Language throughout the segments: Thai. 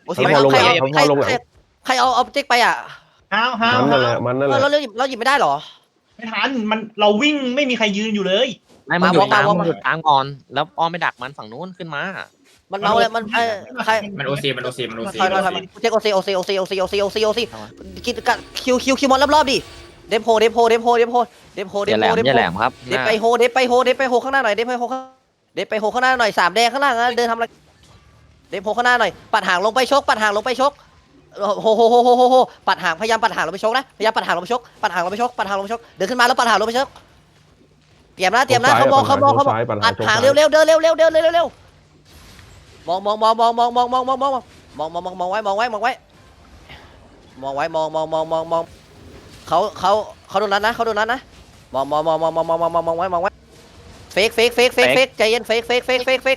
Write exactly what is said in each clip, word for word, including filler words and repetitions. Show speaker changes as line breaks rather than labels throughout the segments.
โอซีใครเอาใครใครใครเอาเอาเจ๊กไปอ่ะ
ห้าวห้าว
มันนั่นแหละมันนั่นแหละ
เราเราหยิบเราหยิบไม่ได้หรอ
ไม่ทันมันเราวิ่งไม่มีใครยืนอยู่เลย
ไม่มันอยู่กลางมันอยู่กลางก่อนแล้วอ้อมไม่ดักมันฝั่งนู้นขึ้นมา
มันเอาเลยมันใคร
มันโอซีมันโอซีมันโอซี
ถอยถอยถอยเจ๊กโอซีโอซีโอซีโอซีโอซีโอซีโอซีกินคิวคิวคิวมอนรอบๆดิเดฟโฮเดฟโฮเดฟโฮเดฟโฮเดฟโฮเด
อย่า
ฟ
แหล
โฮ
ม
เดฟ
อย่า
โฮ
แหลมครับ
เดฟไปโฮเดฟไปโฮเดฟไปโฮข้างหน้าหน่อยเดฟไปโฮข้างเดฟไปโฮข้างหน้าหน่อยสามแดงข้างล่างนะเดินทำอะไรเดฟโฮข้างหน้าหน่อยปัดหางลงไปชกปัดหางลงไปชกโฮโฮโฮโฮโฮโฮปัดหางพยายามปัดหางลงไปชกนะพยายามปัดหางลงไปชกปัดหางลงไปชกปัดหางลงไปชกเดินขึ้นมาแล้วปัดหางลงไปชกเตรียมนะเตรียมนะเขามองเขามองเขามองปัดหางเร็วเร็วเดินเร็วเร็วเดินเร็วเร็วมองมองมองมองมองมองมองมองมองมองมองมองมองไว้มองไว้มองไว้มองไว้มองมองมองมองมองเขาเขาเขาโดนนั้นนะเขาโดนนั้นนะมองมองมองมองมองมองมองมองมองไว้มองไว้เฟกเฟกเฟกเฟกเฟกใจเย็นเฟกเฟกเฟกเฟกเฟก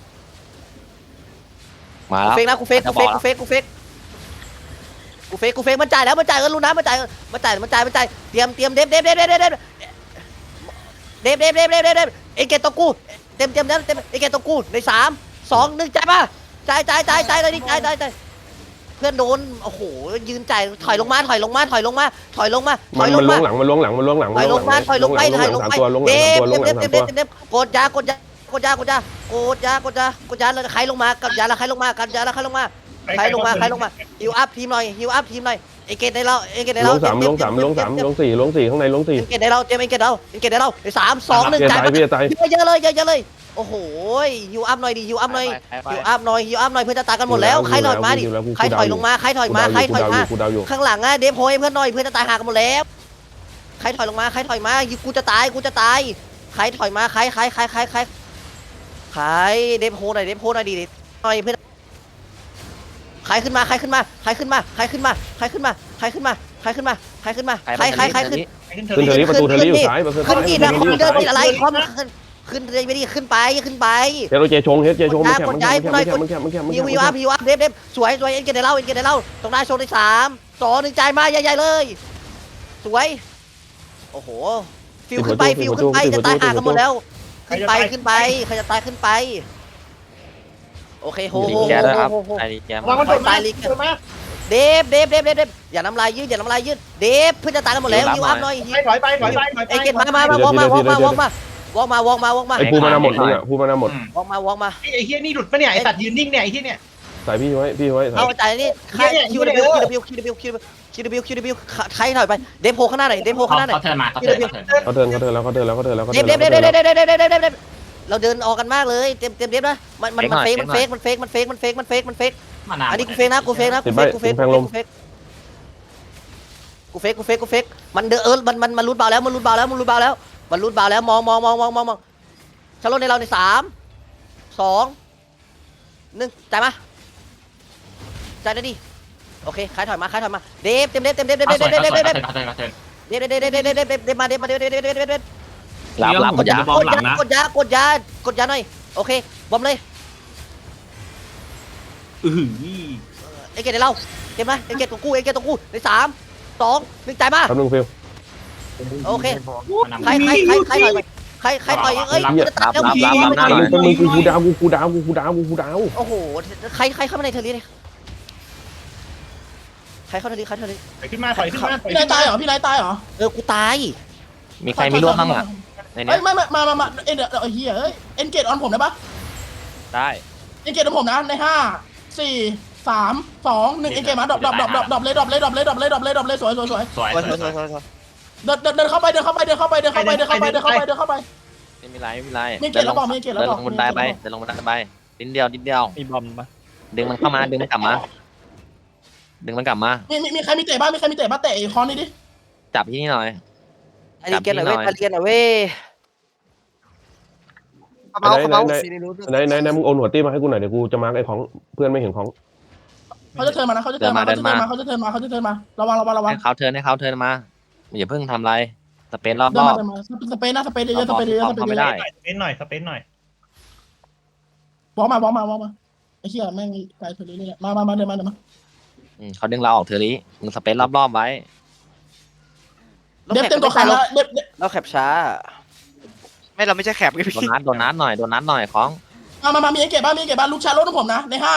มา
กู
แล้ว
เฟกนะกูเฟกกูเฟกกูเฟกกูเฟกกูเฟกกูเฟกมันจ่ายแล้วมันจ่ายเงินลูกน้ำมันจ่ายมันจ่ายมันจ่ายมันจ่ายเตรียมเตรียมเดฟเดฟเดฟเดฟเดฟเดฟเดฟเดฟเดฟเดฟเดฟเดฟเอเกตตกูเต็มเต็มเต็มเต็มเอเกตตกูในสามสองหนึ่งจ่ายป่ะจ่ายจ่ายจ่ายจ่ายเลยดิจ่ายจ่ายจ่ายเพื่อนโดนโอ้โหยืนจ่ายถอยลงมาถอยลงมาถอยลงมาถอยลงมาถ
มั
อน ยล
มัน
ง
ล้ว
มาง
หลังมันล้วงหลังมันล้วงหลัง
ถอยลงมาถอยลงไปถอยลงไป
ตัวล้วงห
เด
ลัง
ฟ
ตัวล้วงห
เด
ลั
ฟ
ง
เด
สาม
ฟ
ตัว
เดฟเดฟกดยากดยากดยากดยากดยากดยากดยาแล้วใครลงมากับยาแล้วใครลงมากับยาแล้วใครลงมาใครลงมาใครลงมาฮิวอัพทีมหน่อยฮิวอัพทีมหน่อยเอเกตได้แล้วเอเกตได้
ล
แล้ว
งสามลงสามลงสามลงสี่ลงสี่ข้างในลงสี่
เอเกตได้แล้วเจมเอเกตได้แล้วเอเกตได้แล้วสามสองหนึ่ง
พี่
จ่าย
ตายพี่ตาย
เยอะเลยเยอะเลยโอ้โหฮิวอัพหน่อยดิฮิวอัพหน่อยฮิวอัพหน่อยฮิวอัพหน่อยเพื่อนจะตายกันหมดแล้วใครถอยมาดิใครถอยลงมาใครถอยมาใครถอยมา
กูดาวอยู่
ข้างหลังอะเดฟโฮยเพื่อนหน่อยเพื่อนจะตายหากันหมดแล้วใครถอยลงมาใครถอยมากูจะตายกูจะตายใครถอยมาใครใครใครใครใครใครเดฟโฮหน่อยเดฟโฮหน่อยดิหน่อยเพื่อนใครขึ้นมาใครขึ้นมาใครขึ้นมาใครขึ้นมาใครขึ้นมาใครขึ้นมาใครขึ้นมาใครขึ้นมาใครใครใครขึ้น
ขึ้นเทอ
ขึ้นเทอ
รี่
รี่ประตูเทอรี่อยู่ซ้ายประตู
ขึ้น
ซ้าย
กี่นะขึ้นเดินอะไรความขึ้นขึ้นเลยไม่ดีขึ้นไปขึ้นไป
เฮโรเจชงเฮโรเจชงมันแคบมันแคบมันแคบมันแคบมันแคบมันแคบ
ฮิวฮิวอัพฮิวอัพเดฟเดฟสวยสวยเอ็นเกตเดเล่าเอ็นเกตเดเล่าตรงหน้าโชว์ในสามสองหนึ่งจ่ายมาใหญ่ๆเลยสวยโอ้โหฟิวขึ้นไปฟิวขึ้นไปจะตายห่างกันหมดแล้วขึ้นไปขึ้นไปใครจะตายขึ้นไปโอเคโฮ
ลิ
โฮ
แก
โฮ
ด้วยครับ
โฮโฮ
ไอ้ลิแก
วางมันโดนมาโดนมา
เดฟเดฟเดฟเดฟเดฟอย่าน้ำลายยืดอย่าน้ำลายยืดเดฟเพื่อนจะตายกันหมดแล้วฮิวอัพหน่อย
ถอยไปถอยไปถอยไป
เอ็นเกตมามามาวอล์กมาวอล์กมาวอล์กมาวอล์กมาวอล์กมาวอล์กมา
ไอ้ภูมานาหมดเนี่ยภูมานาหมด
วอล์กมาวอล์กมา
ไอ้เฮียนี่หลุดปะเนี่ยไอ้สัตว์ยืนนิ่งเนี่ยไอ้เฮียเนี่ย
ใส่พี่ไว้พี่ไว้
เอาใจนี่คิวคิวคิวคิวคิวคิวคิวคิวคิวคิวใครถอยไปเดฟโพข้างหน้าหน่อยเดฟโพข้างหน้าหน่อย
เขาเทิร์นมาเขาเทิร์นเขาเทิร์น
เขาเดินเขาเดินแล้วเขาเดินแล้วเขาเดินแล้วเขา
เด
เดิ
ฟ
น
เดฟเด
แล้ว
ฟเดฟเดฟเดฟเดฟเดฟเดฟเราเดินออกกันมากเลยเต็มเต็มเดฟนะมันมันมันเฟกมันเฟกมันเฟกมันเฟกมันเฟกมันเฟกมันเฟก
มานาน
อันนี้กูเฟกนะกูเฟกนะกูเฟกกูเฟกกูเฟกกูเฟกกูเฟกกูเฟกมันเดอเออมันมันมันรูดเบาแล้วมันรูดเบาแล้วมันรูดเบาแล้วมันรูดเบาแล้วมองมองมองมองมองมองชาร์ลในเราในสามสองหนึ่งจ่ายมาจ่ายได้ดิโอเคขายถอยมาขายถอยมาเดฟเต็มเดฟเต็มเดฟเดฟเดฟเดฟเดฟเดฟเดฟ
เขาเทิร์นเขาเทิร์น
เดฟเดฟเดฟเดฟเดฟเดฟเดฟมาเดฟมาเดฟเดฟเดฟเดฟเดฟเดฟ
หลับหลับ
กดยากดยากดยากดยากดยาหน่อยโอเคบอมเลย
อือ
เอเกตได้เล่าเก็บไหมเอเกตตัวกู้เอเกตตัวกู้ในสามสองหนึ่งจ่ายมา
แป๊บนึงฟิล
โอเคใครใครใครใครต่อยใครใครต่อยเอ้ย
รับรับรับรับหน้าหน่อย
มึงกูกูดาวกูกูดาวกูกูดาวกูกูดาว
โอ้โหใครใครเข้ามาในเทอร์รี่เลยใครเข้าเทอร์รี่ใครเทอร์รี่
ถอยขึ้นมาถอยขึ้นมาถอย
พี่นายตายเหรอพี่นายตายเหรอ
เออกูตาย
มีใครมีร่วมบ้างอ่ะในนี้
เอ้ยไม่ไม่มามามาเอ็นเดี๋ยวเฮียเอ้ยเอ็นเกตออนผมได้ปะ
ได้
เอ็นเกตออนผมนะในห้าสี่สามสองหนึ่งเอ็นเกตมาดรอปดรอปดรอปดรอปดรอปเลยดรอปเลยดรอปเลยดรอปเลยดรอปเลยดรอปเลยสวยสวยสวย
สวย
สวยสวยสวยสวย
เดินเดินเดินเข้าไปเดินเข้าไปเดินเข้าไปเดินเข้าไปเดินเข้าไปเดินเข้าไปเดินเข้าไป
ไม่มีไรไม่มีไร
มีเกล็ดแล้วบอกมีเกล็ดแล้ว
เดิน
บ
ล
อก
งบนไดไปเดินลงบนไดไปนิดเดียวนิดเดียว
มีบอมปะ
ดึงมันเข้ามาดึงมันกลับมาดึงมันกลับมา
มีมีมีใครมีเตะบ้างมีใครมีเตะบ้างเตะคอนนี่ดิ
จับที่นี่หน่อย
ไอ้ดีเกนหน่อยเว้ยไอ้ดีเกนหน่อยเว้ย
ไหนไหนไหนไหนไหนมึงโอนหัวตี้มาให้กูหน่อยเดี๋ยวกูจะมาร์กไอ้ของเพื่อนไม่เห็นของ
เขาจะเทิร์นมานะเขาจะเทิร์นมาเขาจะเทิร์นมาเขาจะเทิร์นมาเขาจะเทิร์นมาระวังระวังระวัง
ให้เขาเทิร์นให้เขาเทิร์นมาอย่าเพิ่งทำอะไรสเปนรอบ
เดิ
ร
น
อ
มา
บ
เดินมาสเปนนะสเปนเยอะสเปนเยอะสเปนเยอะ
สเปนหน่อยสเปนหน่อย
วอล์กมาวอล์กมาวอล์กมาไอ้เหี้ยแม่งไกลเทอร์รี่นี่มามามาเดินมาเดินมา
เขาดึงเราออกเทอรี่มึงสเปนรอบรอบไว้
เด็บเต็มตัวขาแล้วเด็บ
เราแคปช้า
ไม่เราไม่ใช่แคปไงพี่
โดนนัดโดนนัดหน่อยโดนนัดหน่อยของ
มามามามีไอ้เก็บบ้างมีไอ้เก็บบ้างลูกชายรถของผมนะในห้า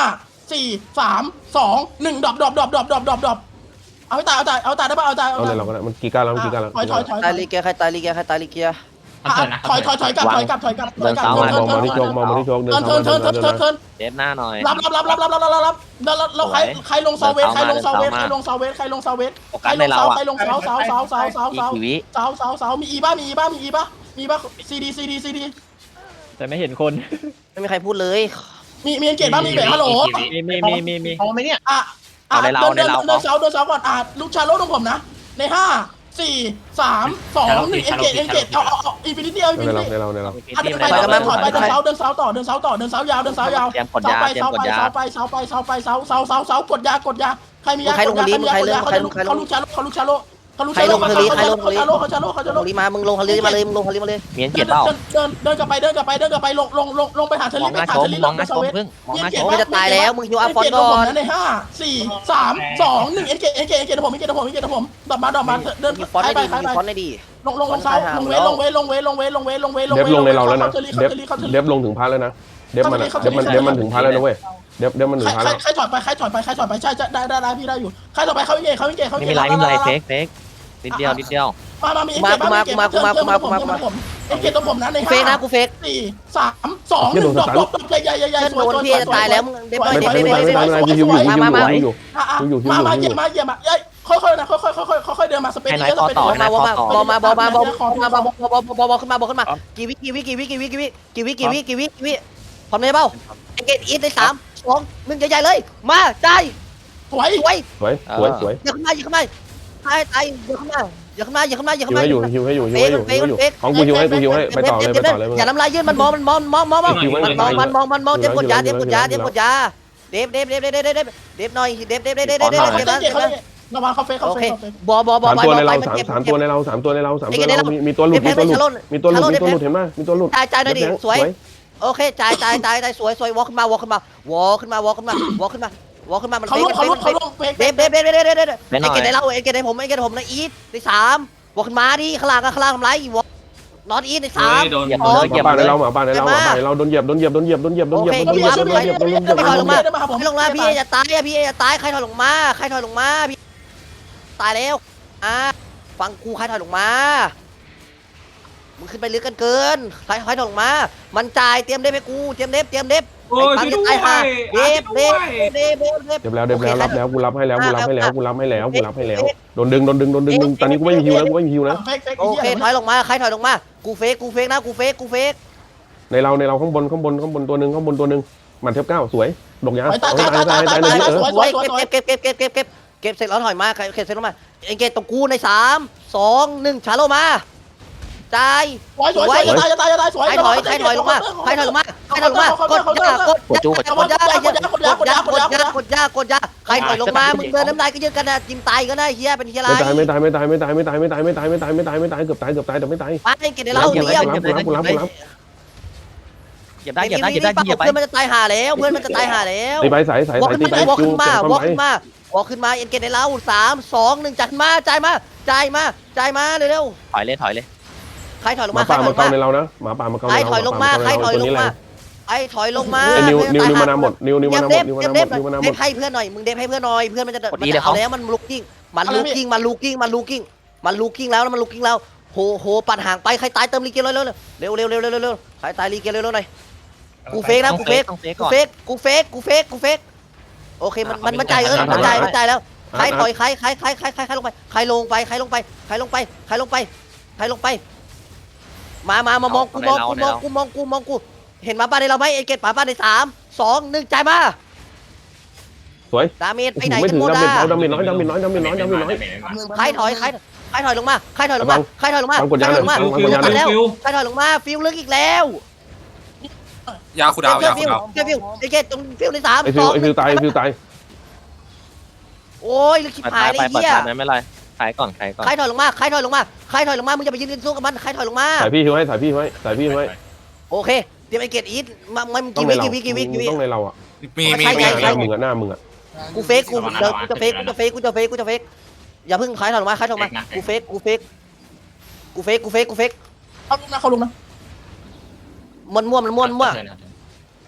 สี่สามสองหนึ่งดรอปดรอปดรอปดรอปดรอปดรอปดรอปเอาให้ตายเอาตายเอาตายได้ป่ะเอาตายเอา
เอา
ตา
เลย ยเราก็ได้มันกี่การแล้วมันกี่การแล้ว
ถอยถอยถอย
ตายลีเกียใครตายลีเกียใครตายลีเกีย
ถอยถอยถอยกลับถอยกลับถอยกลับถอยกลับ
มองมาที่โจกมองมาที่โจกเดิน
เทิร์น
เข้า
เทิร์น
มา
เทิร์นเทิร์น
เดิน
เทิร์นเทิร์น
เดฟหน้าหน่อย
รับรับรับรับรับรับรับรับแล้วแล้วใครใครลงเซาเวสใครลงเซาเวสใครลงเซาเวสใครลงเซาเวส
โฟ
ใคร
กัส
ล
ใน
ง
เรา
เสา
อ่ะ
ใครลงเสาเสาเสาเสาเสาเสา
อีก
เสา
กี่วิ
เสาเสาเสามีอีบ้ามีอีบ้ามีอีบ้ามีบ้าซีดีซีดีซีดี
แต่ไม่เห็นคน
ไม่มีใครพูดเลย
มีมีอังเกตบ้างมีเบรฮัลโหล
มีมีมีมีมี
พอไหมเนี่ย
อ่ะอ่ะเดินเดินเดินเสาเดินเสาก่อนอ่ะลูกชาโลตรงผมนะในห้าสี่สามสองหนึ่งเอ็นเกตเอ็นเกตเอาเอาเอาอินฟินิตี้เอาอินฟิ
ใน
นิ
เรา
ตี้
ในเราในเรา
อ่ะเดินไปเดินถอยไปเดินเสาเดินเสาต่อเดินเสาต่อเดินเสายาวเดินเสายาว
เตรียมกด
เสาย
า
ไป
เตรียม
เสาก
ด
ไป
ยา
เสาไปเสาไปเสาไปเสาเสาเสาเสากดยากดยาใครมียากดยาใครมียากดยาเขาจะเขาลูกชาโลเขาลูกชาโลเขาลูกชาโลเขาชาโลเขาชาโลเขาชาโลเขาชาโลเขาชา
ล
โล
งลีมามึงลงฮาลีมาเลยมึงลงฮาลีมาเลย
มีเอ็นเก
เดิ
ต
น
เปล่า
เดินเดินกลับไปเดินกลับไปเดินกลับไปลงลงลงลงลงไปหาเท
ม
ลิ
อง
ไป
หน้า
หา
ช
เท
ม
ลิ
มองหน้าชมพึ่งมองหน้าชม
มึงจะตายแล้วมึงฮิวอาฟอนก่อน
ในห้าสี่สามสองหนึ่งเอ็นเกเอ็นเกเอ็นเกผมเอ็นเกผมเอ็นเกผมดอกมาดอกมาเดิน
ฮิวฟอน
ไป
ได้
ไป
ดี
ไป
ฮิวฟอนได้ดี
ลงลงลงเสาลงเวลงเวลงเวลงเวลงเวลงเวลง
เดฟลงในเราแล้วนะ
เขาเทลิ
เด
เขา
ฟ
เทลิเขาเทลิ
เดฟลงถึงพาแล้วนะเดฟมันเดฟมันเดฟมันถึงพาแล้วนะเว้ยเดฟเดฟมันถึงพา
ใคร
แล้ว
ใครถอยไปใครถอยไปใครถอยไปใช่ได้ได้ได้พี่ได้อยู่ใครถอยไปเขาเอ็นเกเขาเอ็นเกเขา
ไม่มีไรไม่มีไรเฟกเฟกนิดเดียวนิดเดียว
มามามีเอ็นเกมาเอ็นเกมาเมามาผมเอ็นเกตัวผมนะใน
กูเฟกนะ
ห้า
กูเฟก
สี่สามสองหนึ่งดอกดอกดอกใหญ่ใหญ่ใหญ่ใหญ่
เพื่อน
สวย
โดน
สวย
พี่จะตายแล้วมึงเด็บหน่อย
ไม่
เด็บ
ตาย
เด็บ
ไม่
เด็
ตาย
บ
ไม่
เด็บ
ตายกูฮิวอยู่ฮิวอยู่ฮิวอยู่
มามาเหยียบมาเหยียบมาเอ้ยค่อยๆนะค่อยๆค่อยๆค่อยๆเดินมาสเปน
ให้
เย
นาย
อะส
ต่อ
เปน
ต่อ
บอ
ให้
ล
นาย
มา
ต่อ
บ
ต่อ
อลมาบอลมาบอลมาบอลมาบอลบอลขึ้นมาบอลขึ้นมากี่วิกี่วิกี่วิกี่วิกี่วิกี่วิกี่วิกี่วิกี่วิพร้อมเลยเปล่าเอ็นเกตอีทในสามสองหนึ่งใหญ่ๆเลยมาใจ
สวย
สวย
สวยสวยสวย
อย่าขึ้นมาอย่าขึ้นมาตายตายอย่าขึ้นมาอย่าขึ้นมาอย่าขึ้นมาอย่า
ฮิ
ขึ้น
ว
มา
ให้อยู่ฮิวให้อยู่ฮิวให้อยู่ฮิวให้อยู่ของกูฮิวให้กูฮิวให้ไปต่อเลยไปต่อเลยมึง
อย่าน้ำลายยืดมันมองมันมองมองมองมองมันมองมันมองมันมองเด็บกดยาเด็บกดยาเด็บกดยาเด็บเด็บเด็บเด็บเด็บเด็บเด็บหน่อยเด็บเด็บเด็บเด็บเด็บเด็บ
เขา
เด็บ
เตะเขา
นะ
เตะระวังเขาเฟกเขา
โอ
เฟ
เค
กเขาเฟก
บอบอบอ
สาม
บอ
ตัว
บ
ใน
อ
เรา
มัน
สาม
เจ็บ
สามตัวในเราสามตัวในเราสามตัวในเรามีมีตัวหลุดมีตัวหลุดมีตัวหลุดมีตัวหลุดเห็นไหมมีตัวหลุด
จ่ายจ่ายหน่อยดิสวยโอเคจ่ายจ่ายจ่ายจ่ายสวยสวยวอลขึ้นมวอลขึ้นมาวอลขึ้นมาวอลขึ้นมาวอลขึ้นมาวอลขึ้นมามัน
เขา
เฟ
ลุ
ก
กเขาลุกเขาลุกเฟก
เด็บเด็บเด็บเด็บเด็บเด็บ
ไม่หน่
ไอ้
อย
เกดในเราไอ้เกดในผมไอ้เกดในผมนะอีทในสามวอลขึ้นมาดิข้างล่างข้างล่างทำไรวอลนอตอีทในสาม
โดน
เหยียบ
อ๋
เล
อ
ยเหยียบ
ป่าใน
เลย
เราหมาป่าในเราหมาป่าในเราโดนเหยียบโดนเหยียบโดนเหยียบโดนเหยียบโดนเหยียบโดนเหยียบโดนเหยียบโดนเหยียบโดนเหยียบ
ไม่ถอยลงมา
ได้มาครับผม
ไม่ลงมาพี่จะตายอะพี่จะตายใครถอยลงมาใครถอยลงมาพี่ตายแล้วอ่าฟังกูใครถอยลงมามึงขึ้นไปลึกกันเกินใครใครถอยลงมามันจ่ายเตรียมเด็บให้กูเตรียมเด็บเตรียมเด็บ
โอ้ย
ไอ้
ช่วย
ปั๊ม
ด้
จะ
วย
ตายห่าเด็บเด็บเด็บเด็บเด็บ
เดี๋ยวแล้วเดี๋ยวแล้วรับแล้วกูรับให้แล้วกูรับให้แล้วกูรับให้แล้วกูรับให้แล้วโดนดึงโดนดึงโดนดึงดึงตอนนี้กูไม่มีฮิวแล้วกูไม่มีฮิวนะ
เฟกเฟก
โอเคถอยลงมาใครถอยลงมากูเฟกกูเฟกนะกูเฟกกูเฟก
ในเราในเราข้างบนข้างบนข้างบนตัวหนึ่งข้างบนตัวหนึ่งมันเทปเก้าสวยดกยา
ตาย
ตาย
ตาย
ตาย
ตาย
ตาย
ตาย
ตาย
ตาย
เออ
สวยสวยสวย
เก็บเก็บเก็บเก็บเก็บเก็บเก็บเสร็จแล้วถอยมาเก็บเสร็จแล้วมาเอ็งเกตตรงกูในสามสองหนึ่งชาโลมาจ่าย
สวยสวยสวยตายตายตายสวย
ใครถอยใครถอยลงมาใครถอยลงมาใครถอยลงมากดยากด
กดจูกด
กดยากกดยากกดยากกดยากกดยากกดยากกดยากใครถอยลงมามึงเดินน้ำลายก็ยืดกันนะจิ้มตายก็ได้เฮียเป็นเฮียไร
ไม่ตายไม่ตายไม่ตายไม่ตายไม่ตายไม่ตายไม่ตายไม่ตายไม่ตายไม่ตายเกือบตายเกือบตายแต่ไม่ตาย
ไปเอ็งเกตในเราเลี้ยว
กูรับกูรับกูรับ
เหยียบได้เหยียบได้เหยียบได้เหยียบไป
เพื่อนมันจะตายหาแล้วเพื่อนมันจะตายหาแล้ว
ตีไปสายสายว
อล
สาย
ขึ้
ตี
น
ไป
มาวอล
จู
ขึ้นมา
เก็บ
วอล
ความ
ขึ้นมาวอลขึ้นมาเอ็นเกตในเราสามสองหนึ่งจัดมาจ่ายมาจ่ายมาจ่ายมาเร็ว
ถอยเลยถอยเลย
ๆใครถอยลง
ห
มา
มา
ใคร
ป่า
ถอยล
มาง เกา
มา
ในเรานะหมาป่ามาเกา
ใค
ใน
ร
เรา
ถอยลงมาใครถอยลงมาใครถอยลงมา
ไอ้นิวนิวนิวมานาหมดนิวนิวมานาหม
เด็
ด
บ
นิวมา
เด็
นา
บ
หม
เด็
ด
บ
นิวมานาหม
เด็
ด
บให้เพื่อนหน่อยมึงเด็บให้เพื่อนหน่อยเพื่อนมันจะมันจะเอาแล้วมันลูกกิ้งมันลูกกิ้งมันลูกกิ้งมันลูกกิ้งมันลูกกิ้งแล้วมันลูกกิ้งแล้วโหโหปัดห่างไปใครตายเติมลีเกียร์เร็วเร็วเร็วเร็วเร็วเร็วเร็วใครตายลีเกียร์เร็วเร็วหน่อยกูเฟกนะกูเฟก
ต้องเฟก
กู
ก่อน
เฟกกูเฟกกูเฟกกูเฟกโอเคมันมันมันจ่ายเออมันจ่ายมันจ่ายแล้วใครถอยใครใครใครใครใครใครลงไปใครลงไปใครลงไปใครลงไปใครลงไปใครลงไปมามามามองกูมองกูมองกูมองกูมองกูเห็นหมาป้าในเราไหมเอเกตหมาป้าในสามสองหนึ่งจ่ายมา
สวย
ดาเมจไปไหน
ไม่
กั
ถึ
น
ง
หมด
ดาเมจ
อ่ะ
ดาเมจน้อยดาเมจน้อยดาเมจน้อยดาเมจน้อย
ใครถอยใครใครถอยลงมาใครถอยลงมาใครถอยลงมา
ฟังกด
ใคร
ยา
ถ
ห
อ
น่
ย
อย
ลงมา
ฟังกดยาหน่อย
แล้วใครถอยลงมาฟิวลึกอีกแล้ว
ยาคูดาวยา
ฟิ
คู
ว
ดาว
ฟิวฟิวเอเกตตรงฟิวในสาม
ไอ
ส
ฟิว
อง
ไอฟิวตายไอฟิวตาย
โอ้ยลึกชิบ
ไป
หาย
ไป
เลย
ไป
เหี้ย
ไม่เป็นไรใครก่อนใครก่อน
ใครถอยลงมาใครถอยลงมาใครถอยลงมามึงจะไปยืนสู้กับมันใครถอยลงมา
สายพี่ฮิวให้สายพี่ฮิวให้สายพี่ฮิวให้
โอเคเตรียมไอเกตอีทมามัน
ต้อ
กี่
งใน
วิ
เรา
กี่วิกี่วิกี่วิ
ต้องในเราอ่ะ
มีมี
ใช่
มี
ใช่
หน้ามึงอ่ะหน้ามึงอ่ะ
กูเฟกกูเดี๋ยวกูจะเฟกกูจะเฟกกูจะเฟกกูจะเฟกอย่าเพิ่งใครถอยลงมาใครถอยลงมากูเฟกกูเฟกกูเฟกกูเฟกกูเฟก
เขาลุกนะเขาลุกนะ
มันมั่วมันมั่วมันมั่ว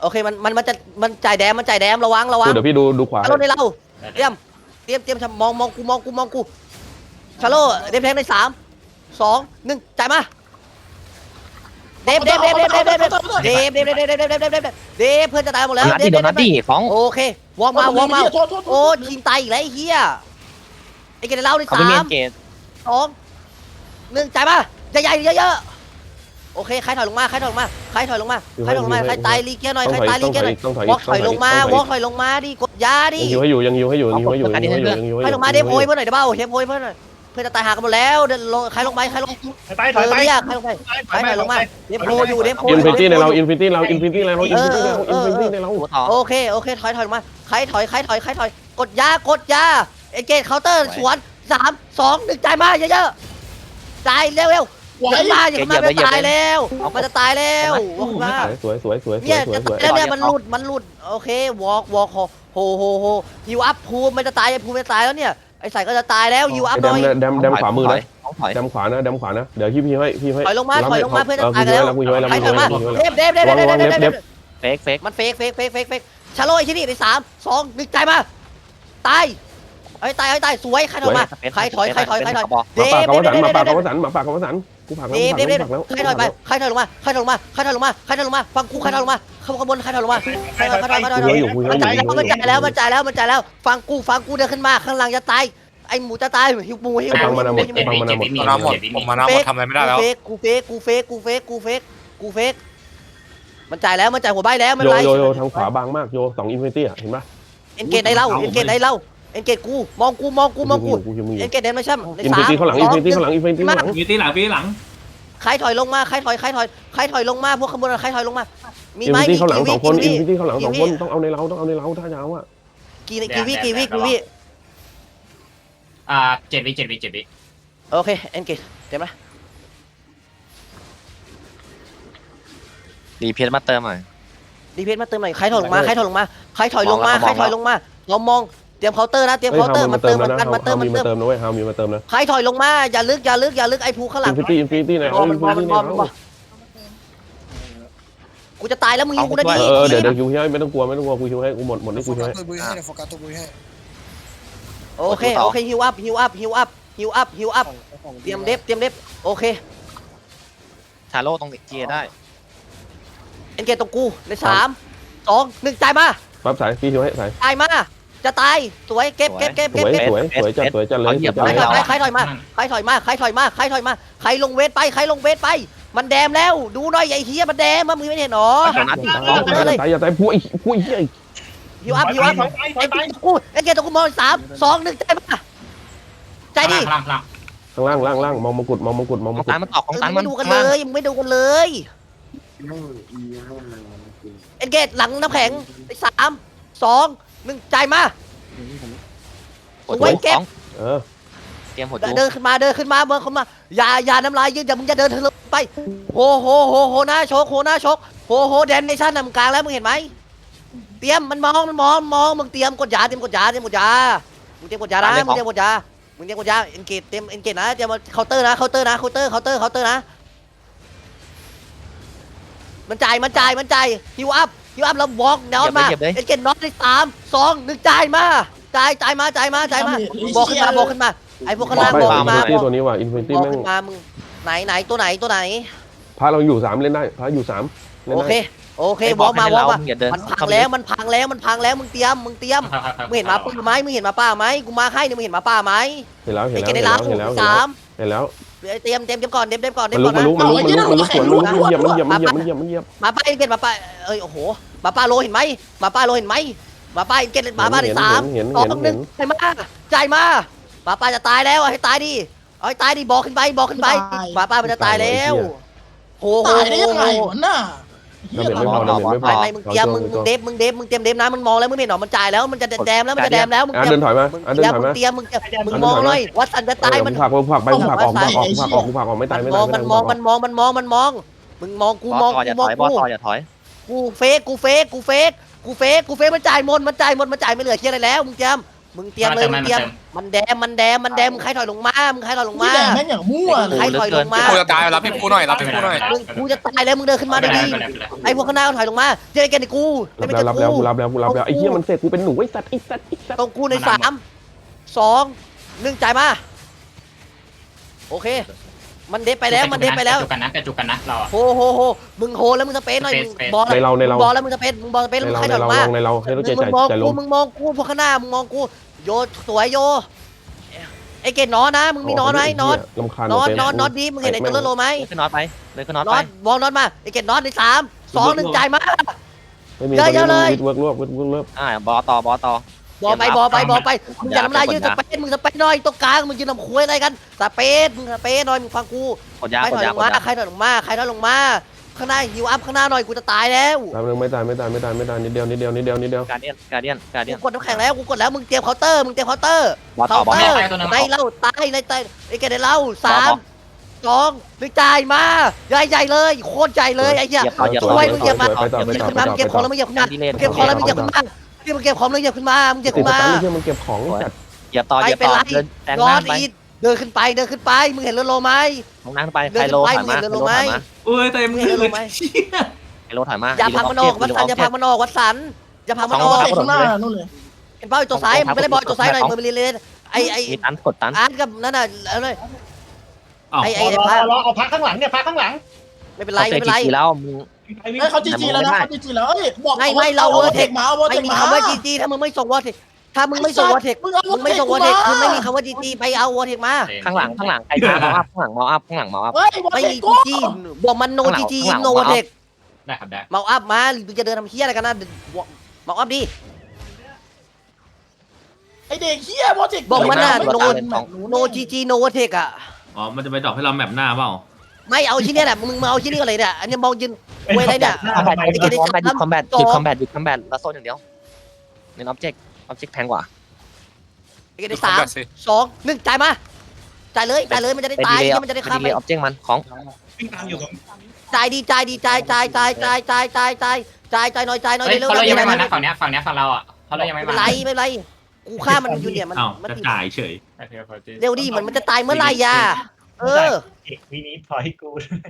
โอเคมันมันมันจะมันจ่ายแดมมันจ่ายแดมระวังระวัง
เดี๋ยวพี่ดูดูขวา
ชาโลในเราเตรียมเตรียมเตรียมมองมองกูมองกูมองกูชาโลเดฟแทงในสามสองหนึ่งจ่ายมาเดฟเดฟเดฟเดฟเดฟเดฟเดฟเดฟเดฟเดฟเดฟเดฟเดฟเดฟเดฟเดฟเพื่อนจะตายหมดแล้ว
โดนัทดิโดนัทดิฟ้อง
โอเควอร์มมาวอร์มมาโอ้ทีมตายอีกแล้วไอ้เหี้ยไอ้เกดในเราใน
เอา
สา
ไปเม
ม
นเกต
สองหนึ่งจ่ายมาใหญ่ๆเยอะๆโอเคใครถอยลงมาใครถอยลงมาใครถอยลงมาใครถอยลงมาใครตายลีเกียร์หน่อย
ต้อง
ใคร
ถอย
ตายลี
ต้อง
เกีย
ถ
ร์ห
อ
น่อย ย
ต้องถอยว
อล์กถอยลงมาวอล์กถอยลงมาดิกดยาดิ
ยังยิวให้อยู่ยังยิวให้อยู่ยังยิวให้อยู่ยังยิวให้อยู่ยังยิว
ใคร
ให้อ
ล
ยู่
งมาเดฟโพยเพื่อนหน่อยเดี๋ยวเบ้าเดฟโพยเพื่อนหน่อยเพื่อนจะตายหากันหมดแล้วเดินลงใครลงไปใครลง
ไป
เธ
ถอย
อ
ไป
เรียกใครลงไป
ถ
ใคร
อยไป
ถอยลงมาเดฟโพอยู่เดฟโพ
อินฟินิตี้ในเราอินฟินิตี้เราอินฟินิตี้ในเราอินฟินิตี้ในเราอินฟินิตี้ในเรา
หัวทอง
โอเคโอเคถอยถอยลงมาใครถอยใครถอยใครถอยกดยากดยาเอเกตเคาน์เตอร์สวนสามสองหนึ่งจ่ายมาเยอะๆจ่ายเร็วเร็ว
ไหว
อย่ามาอย่ามามันจะตายแล้วมันจะตายแล้ววอล์กมา
สวยสวยสวยสวย
เนี่ย
สวย
จะ
สวย
ตายแล้วเนี่ยมันหลุดมันหลุดโอเควอล์กวอล์กโฮโฮโฮฮิวอัพภูมิมันจะตายภูมิจะตายแล้วเนี่ยไอ้ใส่ก็จะตายแล้วฮิวอัพห
แด
น่
ม
อย
แดมแดมขวามือนะ
ต้องถอย
แดมขวานะแดมขวานะเดี๋ยวพี่พี่ให้พี่ให้
ถอยลงมาถอยลงมาเพื่อนจะตายกันแล้ว
กูช่วยแล้ว
ใคร
กู
ถ
ช่
อ
วย ย
มา
แล้วกูช่วย
เด
แล้ว
ฟเดฟเดฟเดฟเดฟเดฟเดฟ
เฟกเฟก
มันเฟกเฟกเฟกเฟกเฟกชาโลไอ้ที่นี่ในสามสองหนึ่งจ่ายมาตายไอ้ตายไอ้ตายสวยใครถอยมาใครถอยใครถอยใครถอยเด
มาปาก
ฟ
กาว
เดฟ
สัน
เดฟ
มาปากกาวสันมาปากกาวสันกูผักแล้ว
เดฟเดฟเดฟ
ผักแล้ว
ใครถอยไปใครถอยลงมาใครถอยลงมาใครถอยลงมาใครถอยลงมาฟังกูใครถอยลงมาข้างบนใครถอยลงมาใครถอยใครถอยใครถอย
กูอยู่กูอยู่
มันจ่ายแล้วมันจ่ายแล้วมันจ่ายแล้วมันจ่ายแล้วฟังกูฟังกูเดินขึ้นมาข้างหลังจะตายไอ้หมูจะตายหิวหมูหิว
ฟังมาหมดฟังมาหมด
มานาหมดผมมานาหมดทำอะไรไม่ได้แล้ว
เฟกกูเฟกกูเฟกกูเฟกกูเฟกกูเฟกมันจ่ายแล้วมันจ่ายหัวใบแล้วมัน
โย
ไร
โยโยทางขวาบางมากโยสองอินฟินิตี้อ่ะเห็นปะ
เอ็นเกตได้เล่าเอ็นเกตได้เล่าเอ็นเกตกูมองกูมองกูมองกู
กูอยู่มึงอ
เอ็
ยู่
นเกตเดนไม่ใช่ใน
อิน
สา
ฟิ
ม
นิตี้ข้างหลังอินฟินิตี้ข้างหลังอินฟินิตี้ข้างหลัง
มีตีหลังพี่หลัง
ใครถอยลงมาใครถอยใครถอยใครถอยลงมาพวกขบวนใครถอยลงมามี
อิน
ไหม
ฟินิตี้ข้างหลัง
กี่
สองคนอิน
วิ
ฟินิตี้ข้างหลังสองคนต้องเอาในเราต้องเอาในเราถ้ายาวอ่ะ
กี่กี่วิกี่วิกี่วิ
อ่าเจ็ดวิเจ็ดวิเจ็ดวิ
โอเคเอ็นเกตเต็มไหม
ดีเพชรมาเติมหน่อย
ดีเพจมาเติมหน่อยใครถอยลงมาใครถอยลงมาใครถอยลงมาใครถอยลงมาเรามองเตรียมเคาน์เตอร์นะเตรียม
เฮ้ย
เคาน์เตอ
ฮาว
ร์
มี
มั
มาน เติ
เติ
ม
ม
แล้ว
มัน
นะ
กัน
ฮา
มันเติม
ว
มั
มี
น
มา
เติม
เติมนะเว้ยฮาวมีมาเติมนะ
ใครถอยลงมาอย่าลึกอย่าลึกอย่าลึกไอ้ภูข้างหลั
อิ
ง
นฟินิตี้อินฟินิตี้ใน
บ
เอา
อล
อิ
มัน
น
บอ
ฟิ
ล
นิ
มัน
ตี้
บ
ใน
อล
เอา
กูจะตายแล้วมึงยิงกูนะ
เอ
ดิ
อเออเดี๋ยวเดี๋ยวคิวให้ไม่ต้องกลัวไม่ต้องกลัวกูคิวให้กูหมดหมดนี่กูคิวให้
ตัวบุยให้โฟกัสตัวบุยให้
โอเคโอเคฮิวอัพฮิวอัพฮิวอัพฮิวอัพฮิวอัพเตรียมเดฟเตรียมเดฟโอเค
ชาโลตรงเจียได้
เอ็นเกตตรงกูในสามสองหนึ่งจ่ายมา
ปั๊บสายพี่คิวให้สาย
จ่ายมาจะตายสวยเก็บเก็บเก็บ
ส
เก็บ
วย
เก็บ
สวยสวยจัดสวยจัดเลยจัด
ใคร
เลย
ถอยใครถอยมาใครถอยมาใครถอยมาใครถอยมาใครลงเวทไปใครลงเวทไป มันแดมแล้วดูหน่อยไอ้เฮียมันแดมมึงไม่เห็นหรอ
โดนัทดิ
ตายอย่าตายผู้ไอ้ผู้ไอ้เหี้ย
ฮิวอัพฮิวอัพ
ถอยไปถ
ไอ้
อยไป
กูไอ้เกตตรงกูมองสามสองหนึ่งใจมาใจดิ
พลังพลัง
ข้างล่างล่างล่างมองมงกุฎมองมงกุฎมอง
ข
ม
อง
งกุฎ
ตันมันออกของตัน
มึง
มั
ไม่
น
ดูกันเลยมึงไม่ดูกันเลยเอ็นเกตหลังน้ำแข็งไอ้สามสองหนึ่งใจมา
หัวจุกของ
เออ
เตรียมหัวจุก
เดินขึ้นมาเดินขึ้นมาเดินขึ้นมาอย่าอย่าน้ำลายยืดอย่ามึงจะเดินทะลุไปโหโหโหโหหน้าชกโหหน้าชกโหโหแดนในชั้นนำกลางแล้วมึงเห็นไหมเตรียมมันมองมันมองมองมึงเตรียมกดยาเตรียมกดยาเตรียมกดยามึงเตรียมกดยานะมึงเตรียมกดยามึงเตรียมกดยาเอ็นเกตเตรียมเอ็นเกตนะเตรียมเคาน์เตอร์นะเคาน์เตอร์นะเคาน์เตอร์เคาน์เตอร์เคาน์เตอร์นะมันจ่ายมันจ่ายมันจ่ายฮิวอัพฮิวอัพแล้ววอล์กน็อตมาเอ็นเกตน็อตในสามสองหนึ่งจ่ายมาจ่ายจ่ายมาจ่ายมาจ่ายมาบอกขึ้นมาบอกขึ้นมาไอ้พวกข้างล่าง
ไม่
บอก
อิ
ขึ้
น
นมา
ฟินิตี้ตัวนี้ว่ะอินฟินิตี้
บอก
แม่ง
ขึ้นมามึงไหนไหนตัวไหนตัวไหน
พาเราอยู่สามเล่นได้พาอยู่สามเล่น
โอ
ได้
เคโอเค
ไอ้
วอล์กมาวอล์กมา
อย่าเดิน
มันพังแล้วมันพังแล้วมันพังแล้วมึงเตรียมมึงเตรียมมึงเห็นหมาป้าไหมมึงเห็นหมาป้าไหมกูมาให้เนี่ยมึงเห็นหมาป้าไหม
เห็นแล้วเห็
ไอ้
น
เกด
แล้ว
ได้
เห็น
แล้
แล้ว วเห็นแล้ว
สาม
เห็นแล้ว
เตรียมเตรียมเตรียมก่อนเตรียมเตรียมก่อนเตรี
มั
ย
น
ม
ลุ
ก่
ก
อน
มัน
นะ
ลุกมันลุกมันลุกมันลุกสวนลุกมันเหยียบมันเหยียบมันเหยียบมันเหยียบมันเหยียบ
หมาป้าไอ้เกดหมาป้าเอ้ยโอ้โหหมาป้าโลเห็นไหมหมาป้าโลเห็นไหมหมาป้าไอ้เกดหมาป้าในสาม
เห็น
สอ
เห็น
งหนึ่งใจมาใจมาหมาป้าจะตายแล้วให้ตายดิเอาให้ตายดิบอกขึ้นไปบอกขึ้นไปหมาป้ามันจะตายแล้วโหโห
ตายได้
โห
ยังไงวะน่ะ
ดาเมจไม่พอดาเมจไม่พอ
ไม่ไม่มึงเตรียมมึงมึงเดฟมึงเดฟมึงเตรียมเดฟนะมันมองแล้วมึงเห็นหรอมันจ่ายแล้วมันจะแดมแล้วมันจะแดมแล้วมึง
อ่ะ
เตรีย
เดิ
ม
นถอยมา
มึง
อ่ะเดินถอย
มึ
มาง
เตรียมมึงเตรียมมึงมองเลยวัดสันจะตายมัน
ผักผักไปผักออกผักออกผักออกผักออกไม่ตายไม่
ม
ตา
อย ง
ไม่
มั
ตาน ย
มองมันมองมันมองมันมองมึงมองกู
บ
ม
อ
อ
ส
ง
ต่ออย่า
กูม
ถ
อง
อยบอ
กู
สต่ออย่าถอย
กูเฟกกูเฟกกูเฟกกูเฟกกูเฟกมันจ่ายหมดมันจ่ายหมดมันจ่ายไม่เหลือเคียอะไรแล้วมึงเตรียมมึงเตรียมเลยมึงเตรียมมันแดมมันแดมมันแดมมึงใครถอยลงมามึงใครถอยลง
พี่
มา
แดงแม่งอย่างมั่วเลย
ใครถอยลงมา
กูจะตายรับพี่กูหน่อยรับพี่กูหน่อย
มึงกูจะตายแล้วมึงเดินขึ้นมาดีๆไอ้พวกข้างหน้าถอยลงมาเจอกันในกู
รับ
ไม่
แล้ว
ใช่
รับแล้ว
กู
กูรับแล้วกูรับแล้วไอ้เหี้ยมันเสกกูเป็นหนูไอ้สัตว์ไอ้สัตว์ไอ้สัตว์
ตรงกูในสามสองหนึ่งจ่ายมาโอเค มันเด็ดไปแล้วมันเด็ดไปแล้ว
กระจุกกันนะกระจุกกันนะเราอะ
โหโหโหมึงโหแล้วมึงสเปซหน่อยมึงบอล
ในเราในเรา
บอลแล้วมึงสเปซมึงบอลสเปซ
ใน
มึง
เรา
ใคร
ใน
ถอยล
เรา
งมา
ลงในเราให้เราใจ
มึ
ใจ
งมอง
ใจล
กู
ง
มึงมองกูพวกข้างหน้ามึงมองกูโยสวยโยไอเกดนอนนะมึงมีนอนไหมนอน
ลำคาญ
นอน
เต็ม
นอนนอนดีมึงเห็นไอตัวเลือดโลไหม
เลยขึ้นน็อตไปเลยขึ้นน็อต
น
ไป
อนวองนอนมาไอเกดนอนในสามสองหนึ่งจ่ายมา
ไม่มี
เยอะๆเลย
วิดเวิร์กรวบวิดเวิร์กรวบ
อ่าบอต่อบอต่อบ
อลไปบอลไปบอลไปมึงอย่าทำลายยืนสเปซมึงสเปซหน่อยตรงกลางมึงยืนลำคุยอะไรกันสเปซมึงสเปซหน่อยมึงฟังกู
กดยา
ใคร
ก
ถ
ด
อย
ยา
ลง
กด
มาย
า
ใครถอยลงมาใครถอยลงมาข้างหน้าฮิวอัพข้างหน้าหน่อยกูจะตายแล้ว
แป๊บนึงไม่ตายไม่ตายไม่ตายไม่ตายนิดเดียวนิดเดียวนิดเดียวนิดเดียว
การเดียนการเดียนการเดีย
กู
น
กดน้ำแข็งแล้วกูกดแล้วมึงเตรียมเคาน์เตอร์มึงเตรียมเคาน์เตอร์
บอต่อบอ
เคาน์เตอร์
ตัวนึง
ในเล่าตายในตายไอ้แกในเล่าสามสองหนึ่งจ่ายมาใหญ่ใหญ่เลยโคตรใหญ่เลยไอ้เหี้ย
เหยียบต่อเหยียบ
ช่วยมึงเหยียบมา
ไปต่อไป
มึงเหยียบ
ต่อ
ขึ้นมามึงเก็บของแล้วมึงเหยียบขึ้นมา
ดีเลย
มึงเก็บของแล้วมึงเหยียบขึ้นมาที่มึงเก็บของแล้วมึงเหยียบขึ้นมามึงเหยียบ
ติด
ขึ้น
ส
มา
ตันที่มันเก็บของจัด
เหยียบต่อเหยียบต่อเดินแซง
นอ
หน้าน ไป
อีดเดินขึ้นไปเดินขึ้นไปมึงเห็นเรือโลไหม
ลงนั่งไปไคโลถอยมาไคโลถอยมา
เอ้ยเต็ม
มึงเห็นเรือโลไหม
ไคโลถอยมา
อย่าพังมันออกวัดสันอย่าพังมันออกวัดสันอย่าพังมันอ
เอา
อก
เตะข้างหน้านู่นเลย
เห็นเป้าอยู่ตัวซ้ายมึงไม่ได้บอลตัวซ้ายหน่อยมึงไปเรียนเลยไอ้ไอ้
มีตันกดตัน
อาร์ตกับนั่นน่ะเอาเลย
อ้าว
ไอ้
ร
ไอ้
อ
ไอ้
รอ
พระ
รอเอาพักข้างหลังเนี่ยพักข้างหลัง
ไม่เป็นไร
เขาเจ
ไม่
อ
เป็นไร
จีแล้วมึง
ไปวิ่ง
เฮ้ยเขาจีจีแล้วนะเขาจีจีแล้วเอ้ยบอก
ไม่ไม่เรา
โอ
เวอ
เวอ
ร์
ร์
เท
เท
ค
คมาโอเวอร์
ไม่
เทค
มี
มา
คำว่าจีจีถ้ามึงไม่ส่งวอร์เทคถ้ามึงไม่ส่งวอร์เทค
มึงเอา
มึงไม่ส่งวอร์เทคคือไม่มีคำว่าจีจีไปเอาวอร์เทคมา
ข้างหลังข้างหลังใครมาเมาอัพข้างหลังเมาอัพข้างหลังเมาอัพ
เฮ้ยวอร์
ไม่
เท
มี
คกู
จีจีบอกมันโนจีจีโนวอร์เทค
ได้ครับได้
เมาอัพมาหรือจะเดินทำเฮียอะไรกันนะเมาอัพดิ
ไอเด็กเฮียวอร์เทค
บอกมันน่ะ
ไม่
โน
ตามแบบ
โนจีจีโนวอร์เทคอะ
อ๋อมันจะไปดรอปให้เราแมปหน้าเปล่า
ไม่เอาชิ้นนี้แหละมึงมาเอาชิ้นนี้ก่อนเลยเนี่ยอันนี้มองยืนเว้ยอะไรเนี่ย
หน้า
คอมแบ
ทำ
ท
ไม
หยุดคอมแบทหยุดคอมแบทหยุดคอมแบทหยุดคอมแบทแล้วโซนอย่างเดียวเน้นออบเจกต์ออบเจกต์แพงกว่า
ไอ้เกดได้สามสองหนึ่งจ่ายมาจ่ายเลยจ่ายเลยมันจะได้
ไป
ตาย
ดีเลย
มันจะได้
ไป
ข้าม
ดี
ไป
เลยออบเจกต์มันของ
วิ่งตามอยู่ตรง
จ่ายดีจ่ายดีจ่ายจ่ายจ่ายจ่ายจ่ายจ่ายจ่ายจ่ายจ่ายหน่อยจ่ายหน่อย
เฮ้ย
เร็ว
เขาเรายังไม่มา
ไม่
นะฝั่งเนี้ยฝั่งเนี้ยฝั่งเราอ่ะเขาเรายัง
เป็
ไม่
น
มา
ไรไม่เป็นไรกูฆ่ามันอยู่เนี่ยมัน
อ้าว
มัน
จะ
ติด
จ่ายเฉย
เร็วดิมันมันจะตายเมื่อไหร่ยาเออ
เอกวีนี้พอให้กู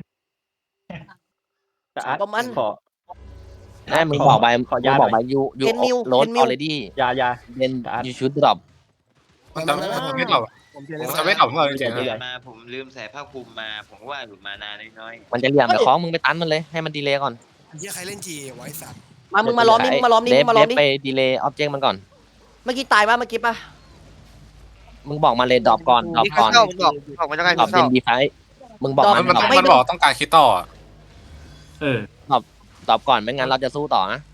แต่อาร์ต
ประมาณ
ขอ
แม่มึงบอกไป
ขอ
มึ
ยาง หน่
บ
อ
อย กไปยูยู
เห็นมิว
โรด
เห็นมิ
อ
ว
อเรดี้
ยายา
เดนยูชูดดรอป
มันจะไม่ตอบผมจะไม่ตอบเมื่อจริงๆ
เดือนมาผมลืมใส่ผ้าคลุมมาผมก็ว่าอยู่มานานน้อย
มันจะเหลี่ยมแต่ของมึงไปตันมันเลยให้มันดีเลย์ก่อน
เฮียใครเล่นจีไว้สัตว์
มามึงมาล้อมนี่มึงมาล้อมนี่
เด
มึ
ฟ
งมา
เด
ล้อม
ฟ
นี่
ไปดีเลย์ออบเจกต์มันก่อน
เมื่อกี้ตายป่ะเมื่อกี้ป่ะ
มึงบอกมาเลยดรอปก่อนดรอป
ๆ
ก่อน
เข้ามึงบอกบอกมันจะไง
ดรอป
เข้า
เดนดีไฟมึงบอก
มั
มัน น
มัน
ดรอป
มันบอกต้องการคิดต่อ
เออ
ดรอปก่อนไม่งั้นเราจะสู้ต่อนะ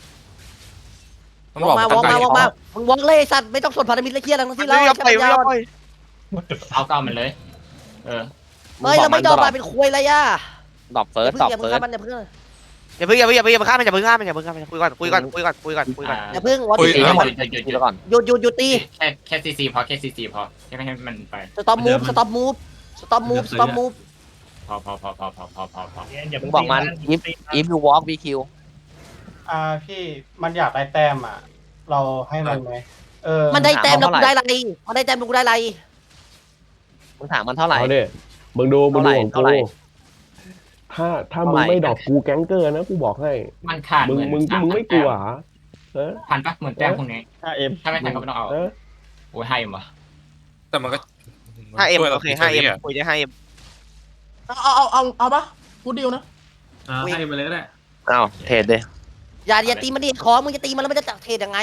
มัน
ว
บอก
อกมา
ต้
ว
อ
อง ก
การ
มาว
คิ
อก
ดต่
มา
อ
มึงวอกเลยสัตว์ไม่ต้องสนพันธมิตรและเครียดอะไรทั้งสิ้น
ไม่
แล้ว
ยอมปล่อยไม่ยอมปล่อย
เอาเก้ามันเลย เออ
เฮ้ยเราไม่ยอมมาเป็นคุยอะไรอ่ะ
ดรอปเฟิ
อ
ร์ส
ย่า
ดร
เพิ่
อง ป
อย่า
เฟิ
เพิ่ง
ร์ส
ฆ่ามันอย่าเพิ่ง
อย่าเพิ่งอย่าเพิ่งอย่าเพิ่งฆ่ามันอย่าเพิ่งฆ่ามันอย่าเพิ่งฆ่ามันคุยก่อนคุยก่อนคุยก่อนคุยก่อนคุยก่อน
อย่าเพิ่งวอ
คุย
ตี
ห
ให้หมด
ยุดหยุดหยุด
ทีละก่อน
หยุดหยุดหยุดตี
แค่แค่ซีซีพอแค่ซีซีพอแค่ไม่ให้มันไป
สต็อปมูฟสต็อปมูฟสต็อปมูฟสต็อปมูฟ
พอพอพอพอพอพอพอพอ
อย่า
มึ
เพิ่
ง
ง
บอกมัน
ตี
if if you walk we kill
อ่าพี่มันอยากได้แต้มอ่ะ เราให้มันไหมเออ
มันได้แต้มแล้วกูได้อะไรมันได้แต้มแล้วกูได้อะไร
มึงถามมันเท่าไหร่
เอาดิมึงดูมึงดูของ
เท่า
กู
ไหร่
ถ้าถ้า
เท่า
มึ
ไห
ง
ร่
ไม่ดอกกูแก๊งเกอร์นะกูบอกให้
มันขาด
มึง
เหมือน
มึงมึงไม่กลัวเหรอเออ
พันปะเหมือนแต้มพวกนี้
ห้าเอ็ม
ถ้าไม่ทันก็ไม่ต้องเอา
เออ
โอ้ยให้วะ
แต่มันก็
ห้าเอ็ม
ช่วยร
โอเคห้าเอ็ม
ะ
คุยได้ห้าเอ็ม
เอาเอาเอาเอาปะกูดิวนะ
อ่าให้ไปเลยก็ได้
อ้าวเทรดเลย
อย่าอย่าตีมันดิของมึงจะตีมันแล้วมันจะจับเทรดยังไง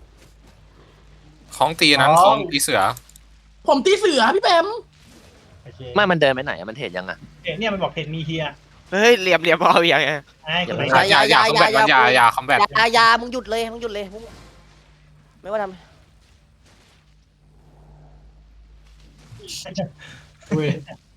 ของตีนั้นของตีเสือ
ผมตีเสือพี่แปม
โอเค
ไม่มันเดินไปไหนอะมันเทรดยังอะ
เนี่ยมันบอกเพจมีเฮีย
เฮ้ยเหลี่ยมเหลี่ยมเอาอย่างเงี้ย
ไอ้
อย่า
คน
ไป
ไหน
อย่าอย่าคอมแบทมันอย่าอย่าคอมแบท
อย่าอย่ามึงหยุดเลยมึงหยุดเลยมึงไม่ว่าทำ
อุ้ย